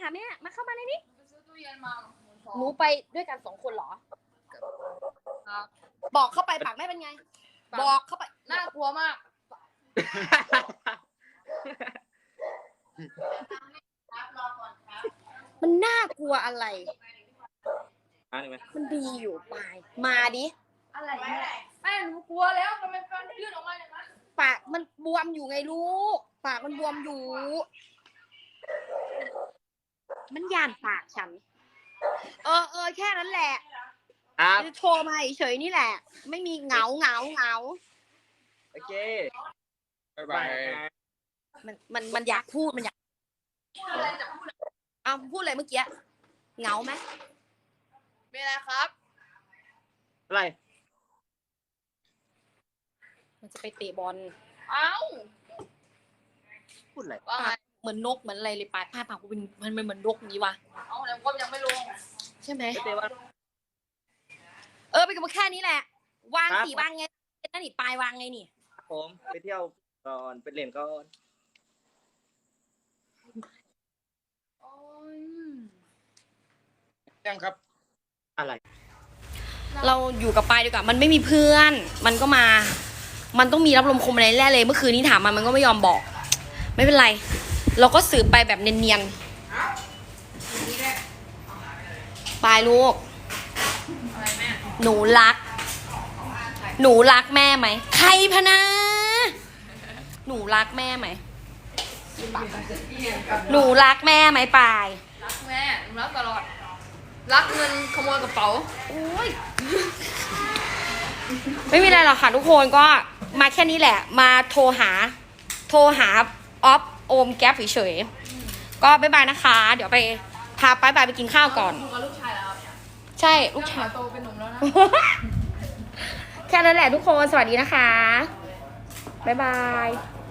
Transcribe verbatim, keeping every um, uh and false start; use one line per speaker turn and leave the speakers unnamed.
หาแม่มาเข้ามาในนี้
ซื้อตู้เย็นมา
หนูไปด้วยกันสองคนเหรอ
ครับ
บอกเข้าไปปากแม่เป็นไง บอกเข้าไป
น่ากลัวมากรอก่อนครับ
มันน่ากลัวอะไร
อ่านี่ไหม
มันดีอยู่ปายมาดิ
อะไรเนี่ยแม่หนูกลัวแล้วทำไมฟันยื่นออกมาอย่างนั้น
ปากมันบวมอยู่ไงลูก ปากมันบวมอยู่ มันย่านปากฉัน เออเออแค่นั้นแหละ
ครับ
จะโทรมาเฉยๆนี่แหละ ไม่มีเหงาเหงาเหงา
โอเค
บ๊ายบาย
มันมันมันอยากพูดมันอยาก
พูดอะไรจะพูด
เอาพูดอะไรเมื่อกี้เหงาไหม
มีอะไรครับ
อะไร
มันจะไปเตะบอล
เอ้า
พูดอะไร
ว่าไง
เหมือนนกเหมือนอะไรเลยปายปายปากกูเป็นมันเป็นเหมือนนกนี้วะ
เอาแล้วก็ยังไม่ลง
ใช่ไหม
ไปเตะบอล
เออไปกับแค่นี้แหละ วาง
ครับ
สีวางไงนั่นนี่ปายวางไงนี่
ผมไปเที่ยวก่อนไปเล่นก่อน
โอ้ย
ยังครับ
อะไร
เราอยู่กับปายดีกว่ามันไม่มีเพื่อน มันก็มา มันต้องมีรับลมคมอะไรแน่เลยเมื่อคืนนี้ถามมันมันก็ไม่ยอมบอก ไม่เป็นไร เราก็สืบไปแบบเนียนๆปายลูก
อะไรแม่
หนูรัก หนูรักแม่ไหมใครพะนะหนูรักแม่ไหมหนูรักแม่ไหมปาย
รักแม่หนูรักตลอด รักเงินขโมยกระเป๋า
โอ้ยไม่มีอะไรหรอกค่ะทุกคนก็มาแค่นี้แหละ มาโทรหา โทรหาออฟโอมแก๊ปเฉยๆก็บ๊ายบายนะคะ เดี๋ยวไปพาป้ายบายไปกินข้าวก่อน
อยู่กับลูกชายแล้วครับ
ใช่ลูกชาย
โตเป็นหนุ่มแล้วนะ
แค่นั้นแหละทุกคนสวัสดีนะคะ บ๊ายบาย